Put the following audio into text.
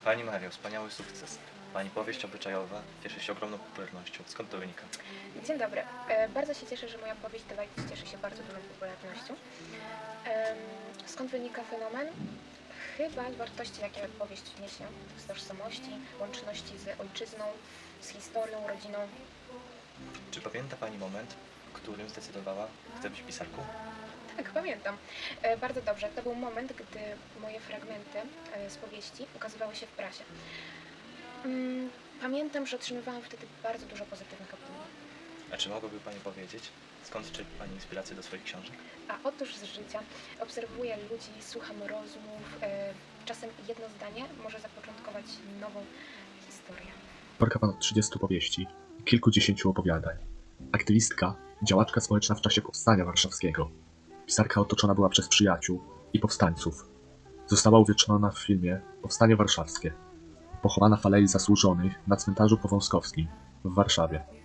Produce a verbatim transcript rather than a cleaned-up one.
Pani Mario, wspaniały sukces. Pani powieść obyczajowa cieszy się ogromną popularnością. Skąd to wynika? Dzień dobry. E, Bardzo się cieszę, że moja powieść The Light cieszy się bardzo dużą popularnością. Em, Skąd wynika fenomen? Chyba z wartości, jakie powieść niesie. Z tożsamości, łączności z ojczyzną, z historią, rodziną. Czy pamięta Pani moment, w którym zdecydowała, chce być pisarką? Tak, pamiętam. E, Bardzo dobrze. To był moment, gdy moje fragmenty e, z powieści ukazywały się w prasie. Mm, Pamiętam, że otrzymywałam wtedy bardzo dużo pozytywnych opinii. A czy mogłaby Pani powiedzieć, skąd czerpie Pani inspirację do swoich książek? A otóż z życia obserwuję ludzi, słucham rozmów. E, czasem jedno zdanie może zapoczątkować nową historię. Autorka ponad trzydziestu powieści i kilkudziesięciu opowiadań. Aktywistka, działaczka społeczna w czasie Powstania Warszawskiego. Pisarka otoczona była przez przyjaciół i powstańców. Została uwieczniona w filmie Powstanie Warszawskie. Pochowana w Alei Zasłużonych na cmentarzu powązkowskim w Warszawie.